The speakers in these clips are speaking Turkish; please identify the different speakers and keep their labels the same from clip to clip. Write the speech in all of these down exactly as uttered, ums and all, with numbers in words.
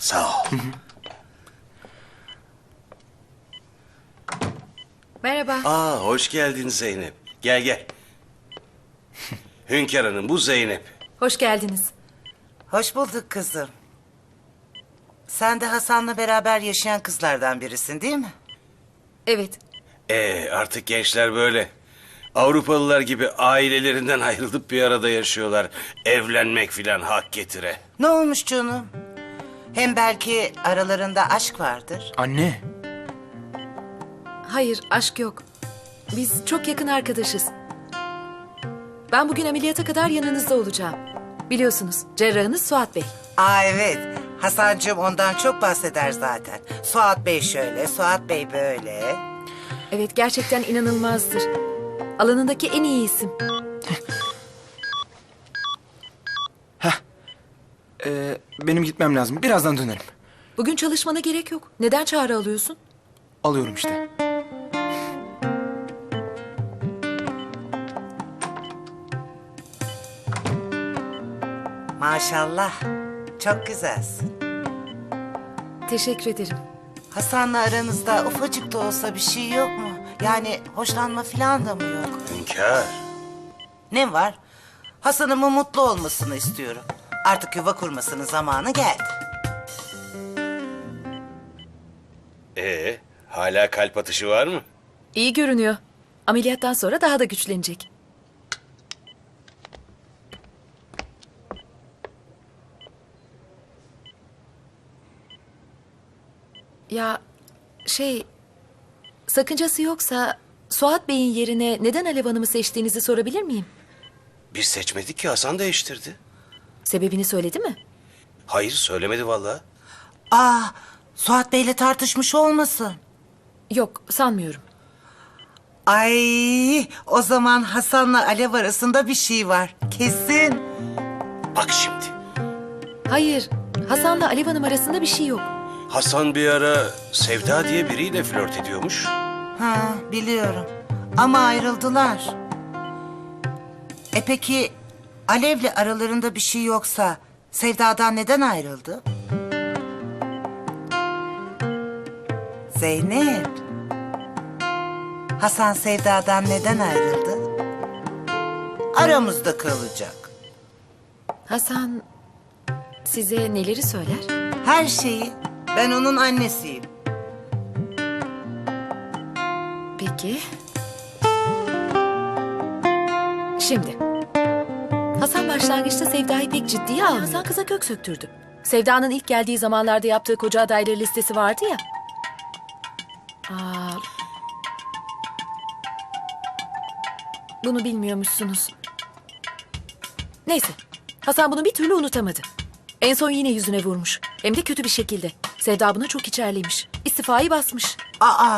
Speaker 1: Sağ ol.
Speaker 2: Merhaba.
Speaker 1: Aa, hoş geldin Zeynep. Gel gel. Hünkar Hanım, bu Zeynep.
Speaker 2: Hoş geldiniz.
Speaker 3: Hoş bulduk kızım. Sen de Hasan'la beraber yaşayan kızlardan birisin değil mi?
Speaker 2: Evet.
Speaker 1: Ee, artık gençler böyle. Avrupalılar gibi ailelerinden ayrılıp bir arada yaşıyorlar. Evlenmek filan hak getire.
Speaker 3: Ne olmuş canım? Hem belki aralarında aşk vardır.
Speaker 4: Anne.
Speaker 2: Hayır, aşk yok. Biz çok yakın arkadaşız. Ben bugün ameliyata kadar yanınızda olacağım. Biliyorsunuz, cerrahınız Suat Bey.
Speaker 3: Aa evet, Hasancığım ondan çok bahseder zaten. Suat Bey şöyle, Suat Bey böyle.
Speaker 2: Evet, gerçekten inanılmazdır. Alanındaki en iyi isim.
Speaker 4: Ee, benim gitmem lazım. Birazdan dönerim.
Speaker 2: Bugün çalışmana gerek yok. Neden çağrı alıyorsun?
Speaker 4: Alıyorum işte.
Speaker 3: Maşallah, çok güzelsin.
Speaker 2: Teşekkür ederim.
Speaker 3: Hasan'la aranızda ufacık da olsa bir şey yok mu? Yani hoşlanma falan da mı yok?
Speaker 1: Hünkar.
Speaker 3: Ne var? Hasan'ımın mutlu olmasını istiyorum. Artık yuva kurmasının zamanı geldi.
Speaker 1: Ee, hala kalp atışı var mı?
Speaker 2: İyi görünüyor. Ameliyattan sonra daha da güçlenecek. Ya şey, sakıncası yoksa Suat Bey'in yerine neden Alev Hanım'ı seçtiğinizi sorabilir miyim?
Speaker 1: Biz seçmedik ki, Hasan değiştirdi.
Speaker 2: Sebebini söyledi mi?
Speaker 1: Hayır, söylemedi vallahi.
Speaker 3: Aa, Suat Bey'le tartışmış olmasın?
Speaker 2: Yok, sanmıyorum.
Speaker 3: Ay, o zaman Hasan'la Alev arasında bir şey var. Kesin.
Speaker 1: Bak şimdi.
Speaker 2: Hayır, Hasan'la Alev Hanım arasında bir şey yok.
Speaker 1: Hasan bir ara Sevda diye biriyle flört ediyormuş.
Speaker 3: Ha, biliyorum. Ama ayrıldılar. E peki Alev'le aralarında bir şey yoksa Sevda'dan neden ayrıldı? Zeynep. Hasan Sevda'dan neden ayrıldı? Aramızda kalacak.
Speaker 2: Hasan size neleri söyler?
Speaker 3: Her şeyi. Ben onun annesiyim.
Speaker 2: Peki. Şimdi. Hasan başlangıçta Sevda'yı pek ciddiye almıyor. Hasan kıza kök söktürdü. Sevda'nın ilk geldiği zamanlarda yaptığı koca adayları listesi vardı ya. Aa, bunu bilmiyormuşsunuz. Neyse. Hasan bunu bir türlü unutamadı. En son yine yüzüne vurmuş. Hem de kötü bir şekilde. Sevda buna çok içerlemiş. İstifayı basmış.
Speaker 3: Aa,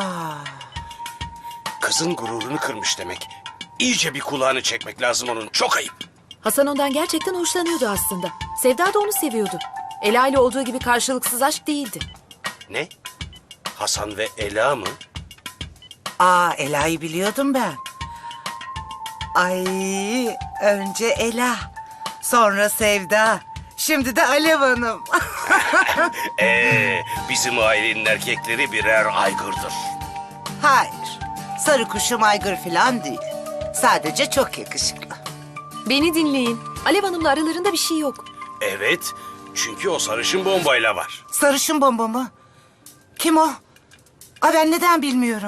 Speaker 1: Kızın gururunu kırmış demek. İyice bir kulağını çekmek lazım onun. Çok ayıp.
Speaker 2: Hasan ondan gerçekten hoşlanıyordu aslında. Sevda da onu seviyordu. Ela ile olduğu gibi karşılıksız aşk değildi.
Speaker 1: Ne? Hasan ve Ela mı?
Speaker 3: aa Ela'yı biliyordum ben. Ay, önce Ela, sonra Sevda, şimdi de Alev Hanım.
Speaker 1: Ee, bizim ailenin erkekleri birer aygırdır.
Speaker 3: Hayır, sarı kuşum aygır falan değil. Sadece çok yakışıklı.
Speaker 2: Beni dinleyin. Alev Hanım'la aralarında bir şey yok.
Speaker 1: Evet, çünkü o sarışın bombayla var.
Speaker 3: Sarışın bomba mı? Kim o? Aa, ben neden bilmiyorum?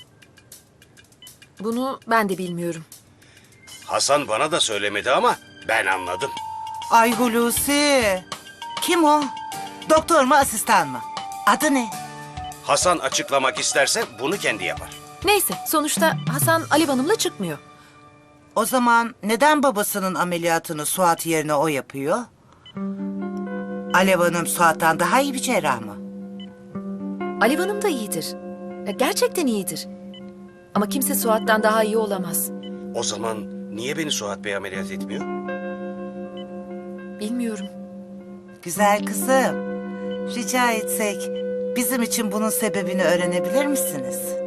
Speaker 2: Bunu ben de bilmiyorum.
Speaker 1: Hasan bana da söylemedi ama ben anladım.
Speaker 3: Ay Hulusi. Kim o? Doktor mu, asistan mı? Adı ne?
Speaker 1: Hasan açıklamak isterse bunu kendi yapar.
Speaker 2: Neyse, sonuçta Hasan Alev Hanım'la çıkmıyor.
Speaker 3: O zaman neden babasının ameliyatını Suat yerine o yapıyor? Alev Hanım Suat'tan daha iyi bir cerrah mı?
Speaker 2: Alev Hanım da iyidir. Ya, gerçekten iyidir. Ama kimse Suat'tan daha iyi olamaz.
Speaker 1: O zaman niye beni Suat Bey ameliyat etmiyor?
Speaker 2: Bilmiyorum.
Speaker 3: Güzel kızım. Rica etsek bizim için bunun sebebini öğrenebilir misiniz?